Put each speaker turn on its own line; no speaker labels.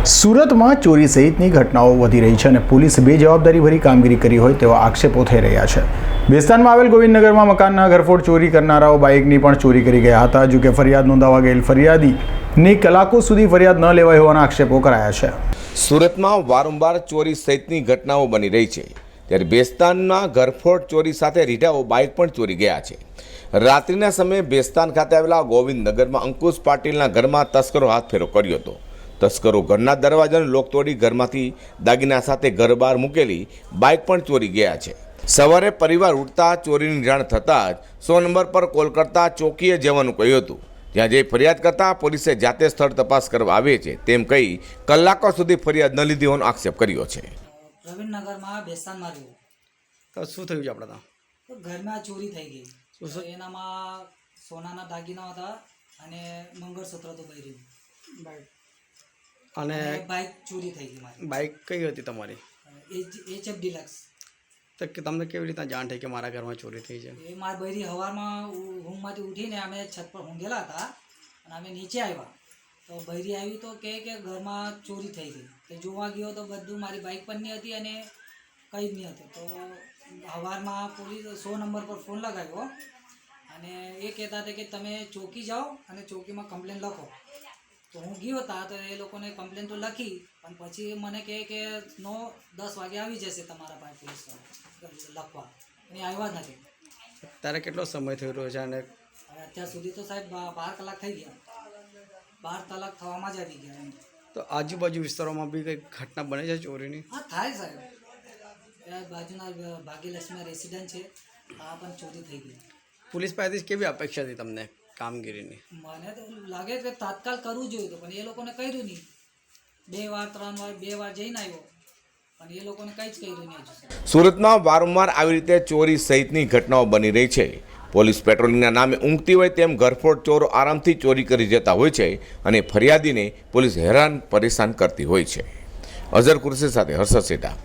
સુરતમાં ચોરી સહિતની ઘટનાઓ વધી રહી છે અને પોલીસે બેજવાબદારીભરી કામગીરી કરી હોય તેવા આક્ષેપો થઈ રહ્યા છે। બેસ્તાનમાં આવેલ ગોવિંદનગરમાં મકાનના ઘરફોડ ચોરી કરનારાઓ બાઇકની પણ ચોરી કરી ગયા હતા। જો કે ફરિયાદ નોંધાવા ગયેલ ફરિયાદીની કલાકો સુધી ફરિયાદ ન લેવાઈ હોવાના આક્ષેપો કરાયા છે।
સુરતમાં વારંવાર ચોરી સહિતની ઘટનાઓ બની રહી છે, ત્યારે બેસ્તાનમાં ઘરફોડ ચોરી સાથે રીઢાઓ બાઇક પણ ચોરી ગયા છે। રાત્રિના સમયે બેસ્તાન ખાતે આવેલા ગોવિંદનગરમાં અંકુશ પાટીલના ઘરમાં તસ્કરો હાથફેરો કર્યો હતો। તસ્કરો ઘરના દરવાજાનો લોક તોડી ઘરમાંથી દાગીના સાથે ઘર બહાર મૂકેલી બાઇક પણ ચોરી ગયા છે। સવારે પરિવાર ઉઠતા ચોરીની જાણ થતાં જ 100 નંબર પર કોલ કરતા ચોકીએ જવાનું કહ્યું હતું, જ્યાં જઈ ફરિયાદ કરતા પોલીસે જાતે સ્થળ તપાસ કરવા આવે છે તેમ કહી કલાકો સુધી ફરિયાદ ન લીધી હોવાનો આક્ષેપ કર્યો છે।
ગોવિંદનગરમાં બેસ્તાનમાં રહ્યું
તો શું થયું છે આપણે ત્યાં?
તો ઘરમાં ચોરી થઈ ગઈ। તો એનામાં સોનાના દાગીના હતા અને મંગળસૂત્ર તો પહેર્યું અને બાઇક ચોરી થઈ ગઈ મારી।
બાઇક કઈ હતી તમારી?
HF deluxe.
તો કે તમને કેવી રીતના જાણ થઈ કે મારા ઘરમાં ચોરી થઈ છે?
એ મારી બૈરી સવારમાં ઊંઘમાંથી ઉઠીને અમે છત પર ઊંઘેલા હતા અને અમે નીચે આવ્યા તો બૈરી આવી તો કે ઘરમાં ચોરી થઈ ગઈ। તો જોવા ગયો તો બધું મારી બાઇક પણ નહીં હતી અને કંઈ જ નહીં હતું। તો સવારમાં પોલીસ 100 નંબર પર ફોન લગાવ્યો અને એ કહેતા હતા કે તમે ચોકી જાઓ અને ચોકીમાં કમ્પ્લેન લખો। તો હું ગયો હતા તો એ લોકોને કમ્પ્લેન તો લખી, પણ પછી મને કહે કે 9-10 વાગે આવી જશે તમારા પાસે પોલીસ લખવા, અને આવ્યા જ નથી।
ત્યારે કેટલો સમય થઈ રહ્યો છે? અને
અત્યાર સુધી તો સાહેબ 12 કલાક થઈ ગયા। 12 કલાક થવામાં જ આવી ગયા।
તો આજુબાજુ વિસ્તારોમાં બી કંઈ ઘટના બને છે ચોરીની?
હા થાય સાહેબ, બાજુના ભાગ્યલક્ષ્મી રેસિડન્ટ છે, આ પણ ચોરી થઈ ગઈ।
પોલીસ પાસેથી કેવી અપેક્ષા હતી તમને કામગીરીની?
મને તો લાગે કે તાત્કાલ કરવું જોઈએ પણ એ લોકોને કર્યું નહીં। 2 વાર 3 વાર 2 વાર જઈને આવ્યો પણ એ લોકોને કંઈ જ કર્યું નહીં હજુ।
સુરતમાં વારંવાર આવી રીતે ચોરી સહિતની ઘટનાઓ બની રહી છે। પોલીસ પેટ્રોલિંગના નામે ઊંઘતી હોય તેમ ઘરફોડ ચોરો આરામથી ચોરી કરી જતા હોય છે અને ફરિયાદીને પોલીસ હેરાન પરેશાન કરતી હોય છે। અઝર કુરશી સાથે હર્ષદ સેઠા।